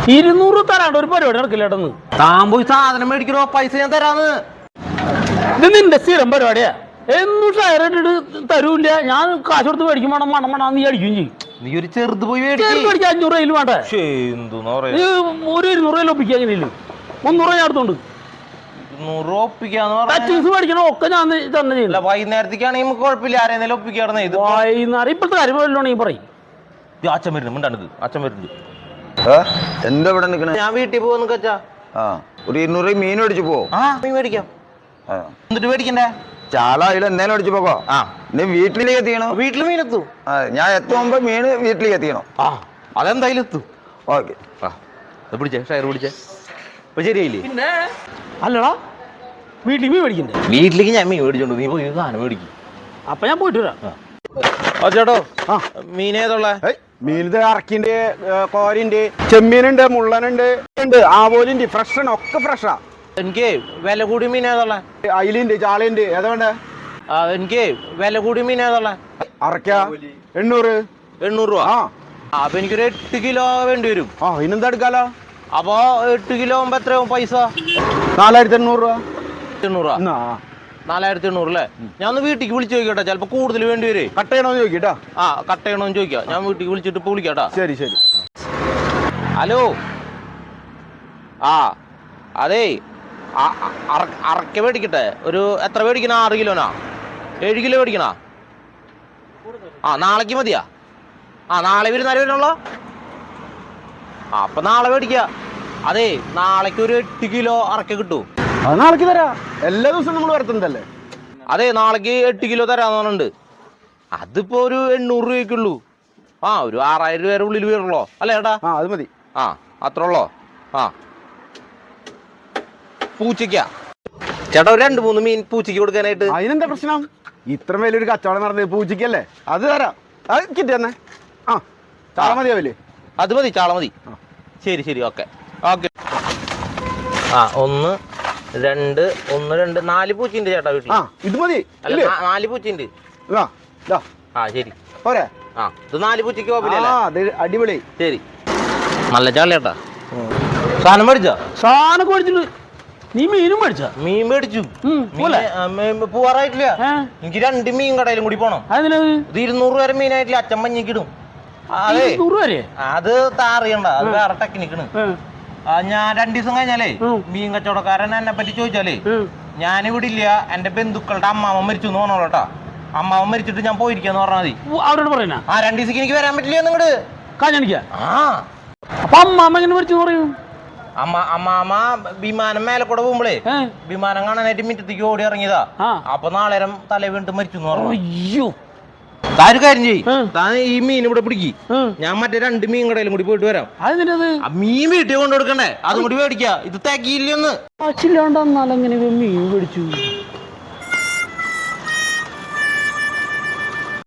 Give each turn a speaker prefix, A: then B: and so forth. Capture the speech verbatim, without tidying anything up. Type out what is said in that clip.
A: ഇരുന്നൂറ് തരാണ്ട് ഒരു പരിപാടി നടക്കില്ലേട്ടെന്ന്.
B: താൻ പോയി സാധനം മേടിക്കണോ, പൈസ ഞാൻ തരാന്ന്.
A: ഇത് നിന്റെ സ്ഥിരം പരിപാടിയാ. എന്നും ഷെയർ ഇട്ടിട്ട് തരൂല്ല. ഞാൻ കാശ് കൊടുത്ത് മേടിക്കും വേണം, മണം മണം നീ അടിക്കുകയും ചെയ്യും.
B: നീ ഒരു ചെറുത് പോയി
A: മേടിക്കാൻ അഞ്ഞൂറ് രൂപയിൽ വേണ്ടേ? ഒരു ഇരുന്നൂറ് രൂപയിൽ ഒപ്പിക്കുക. എങ്ങനെയല്ലോ മുന്നൂറ് രൂപ ഞാൻ എടുത്തോണ്ട് മേടിക്കണം. ഒക്കെ ഞാൻ തന്നെ ചെയ്യില്ല.
B: വൈകുന്നേരത്തേക്കാണെങ്കിൽ നമുക്ക് കുഴപ്പമില്ല, ആരെങ്കിലും ഒപ്പിക്കാറുണ്ട്. ഇത്
A: വൈകുന്നേരം ഇപ്പോഴത്തെ കാര്യം വല്ലോണെങ്കിൽ പറയും.
B: അച്ഛൻ വരുന്നുണ്ട്, മിണ്ടാണ്ട് അച്ഛൻ വരുന്നുണ്ട്.
C: എന്താ ഇവിടെ നിൽക്കണേ?
B: ഞാൻ വീട്ടിൽ പോകുന്നു കച്ചാ.
C: ആ ഒരു ഇരുന്നൂറ് രൂപ മീൻ മേടിച്ചു പോ.
B: ആ മീൻ മേടിക്കാം. എന്നിട്ട് മേടിക്കണ്ടേ?
C: ചാള അതിൽ എന്തായാലും അടിച്ചു പോകോ. ആ നീ വീട്ടിലേക്ക് എത്തിക്കണോ?
B: വീട്ടിൽ മീൻ എത്തും.
C: ഞാൻ എത്തുമ്പോ മീൻ വീട്ടിലേക്ക് എത്തിക്കണോ?
B: ആ അതെന്തായാലും എത്തും.
C: ഓക്കെ
B: പിടിച്ചേ, ഷെയർ പിടിച്ചേ. ഇപ്പൊ ശരിയായില്ലേ?
A: പിന്നെ അല്ലടാ, വീട്ടിൽ മീൻ മേടിക്കണ്ടേ?
B: വീട്ടിലേക്ക് ഞാൻ മീൻ മേടിച്ചോണ്ട് നീ പോയി സാധനം മേടിക്കും.
A: അപ്പൊ ഞാൻ പോയിട്ട് വരാം.
B: ചേട്ടോ മീനേതുള്ള?
D: മീനിത് ഇറക്കിണ്ട്, കോരിണ്ട്, ചെമ്മീനുണ്ട്, മുള്ളനുണ്ട്, ഉണ്ട് ആവോലിണ്ട്. ഫ്രഷാണ്, ഒക്കെ ഫ്രഷാ.
B: എനിക്ക് വില കൂടിയ മീൻ ഏതുള്ള?
D: അയിലുണ്ട്, ചാളയുണ്ട്. ഏതാ വേണ്ടേ?
B: എനിക്ക് വില കൂടിയ മീൻ ഏതുള്ള?
D: അറക്ക എണ്ണൂറ്.
B: എണ്ണൂറ് രൂപ.
D: ആ
B: അപ്പൊ എനിക്കൊരു എട്ട് കിലോ വേണ്ടി വരും.
D: ആ ഇനെന്താ എടുക്കാലോ?
B: അപ്പൊ എട്ട് കിലോ ആകുമ്പോ എത്രയാവും പൈസ?
D: നാലായിരത്തി എണ്ണൂറ് രൂപ.
B: എണ്ണൂറ് രൂപ. നാലായിരത്തി എണ്ണൂറ് അല്ലേ? ഞാൻ ഒന്ന് വീട്ടിലേക്ക് വിളിച്ചു ചോദിക്കട്ടെ, ചിലപ്പോ കൂടുതൽ വേണ്ടി വരേ.
D: കട്ട് ചെയ്യണോന്ന് ചോദിക്കട്ടാ.
B: ആ കട്ട് ചെയ്യണോന്ന് ചോദിക്കാം. ഞാൻ വീട്ടിലേക്ക് വിളിച്ചിട്ട് ഇപ്പൊ വിളിക്കാട്ടാ.
D: ശരി ശരി.
B: ഹലോ. ആ അതേ, അറക്ക മേടിക്കട്ടെ. ഒരു എത്ര മേടിക്കണ? ആറ് കിലോനാ? ഏഴ് കിലോ മേടിക്കണ? ആ നാളേക്ക് മതിയാ? ആ നാളെ വരുന്നാലും വരണല്ലോ. ആ അപ്പൊ നാളെ മേടിക്ക. അതെ നാളേക്ക് ഒരു എട്ട് കിലോ അറക്ക കിട്ടൂ.
D: അത് നാളേക്ക് തരാ. എല്ലാ ദിവസവും നമ്മൾ വരുത്തുന്നതല്ലേ?
B: അതെ നാളേക്ക് എട്ട് കിലോ തരാന്ന് പറഞ്ഞിട്ടുണ്ട്. അതിപ്പോ ഒരു എണ്ണൂറ് രൂപയ്ക്കുള്ളൂ. ആ ഒരു ആറായിരം രൂപ ഉള്ളിൽ വരുള്ളോ അല്ലേ ചേട്ടാ?
D: ആ അത് മതി.
B: ആ അത്ര ഉള്ളോ? ആ പൂച്ചയ്ക്കാ ചേട്ടാ ഒരു രണ്ട് മൂന്ന് മീൻ പൂച്ചയ്ക്ക് കൊടുക്കാനായിട്ട്.
D: അതിനെന്താ പ്രശ്നം? ഇത്ര വലിയൊരു കച്ചവടം നടന്നത് പൂച്ചയ്ക്കല്ലേ? അത് തരാം. അത് കിട്ടി തന്നെ. ആ ചാള മതിയാവില്ലേ?
B: അത് മതി, ചാള മതി. ശരി ശരി ഓക്കെ ഓക്കെ. ആ ഒന്ന് രണ്ട് ഒന്ന് രണ്ട് നാല് പൂച്ചയുണ്ട് ചേട്ടാ വീട്ടിൽ.
D: ആ ഇത് മതി.
B: അല്ല നാല് പൂച്ചയുണ്ട്. ആ ശരി
D: പോരെ?
B: ആ ഇത് നാല് പൂച്ചയ്ക്ക്
D: അടിപൊളി.
B: ശരി നല്ല ചാള ചേട്ടാ. സാധനം മേടിച്ചോ?
A: സാധനം മേടിച്ചിട്ട് നീ മീനും മേടിച്ച?
B: മീൻ മേടിച്ചു. പോവാറായിട്ടില്ല. എനിക്ക് രണ്ട് മീൻ കടയിലും കൂടി പോണം. ഇത് ഇരുന്നൂറ് വരെ മീനായിട്ടില്ല. അച്ഛൻ മഞ്ഞക്കിടും. അതെ അത് താറിയണ്ട, അത് വേറെ ടെക്നിക്കാണ്. ഞാൻ രണ്ടു ദിവസം കഴിഞ്ഞാലേ മീൻ കച്ചവടക്കാരൻ എന്നെ പറ്റി ചോദിച്ചാലേ ഞാനിവിടെ ഇല്ല, എന്റെ ബന്ധുക്കളുടെ അമ്മാവൻ മരിച്ചു എന്ന് പറഞ്ഞോളൂ കേട്ടാ. അമ്മാവൻ മരിച്ചിട്ട് ഞാൻ പോയിരിക്കാന്ന് പറഞ്ഞാൽ മതി.
A: അവരോട് പറയണ?
B: ആ രണ്ടു ദിവസം എനിക്ക് വരാൻ പറ്റില്ല നിങ്ങട്
A: കാണിക്ക.
B: ആ
A: അപ്പൊ അമ്മാമ എങ്ങനെ മരിച്ചു പറയൂ?
B: അമ്മ അമ്മാമ വിമാനം മേലെ കൂടെ പോകുമ്പോളേ വിമാനം കാണാനായിട്ട് മിറ്റത്തേക്ക് ഓടി ഇറങ്ങിയതാ. അപ്പൊ നാളേരം തല വീണിട്ട് മരിച്ചു എന്ന് പറഞ്ഞു.
A: അയ്യോ
B: താൻ കാര്യം ചെയ്യും, താൻ ഈ മീൻ ഇവിടെ പിടിക്കി, ഞാൻ മറ്റേ രണ്ട് മീൻ കടയിലും കൂടി പോയിട്ട് വരാം. മീൻ വീട്ടിൽ കൊണ്ടു കൊടുക്കണ്ടേ, അതും കൂടി മേടിക്ക. ഇത് തികയില്ലെന്ന്
A: കാശില്ലാണ്ടെന്നാലെങ്ങനെ മീൻ മേടിച്ചു?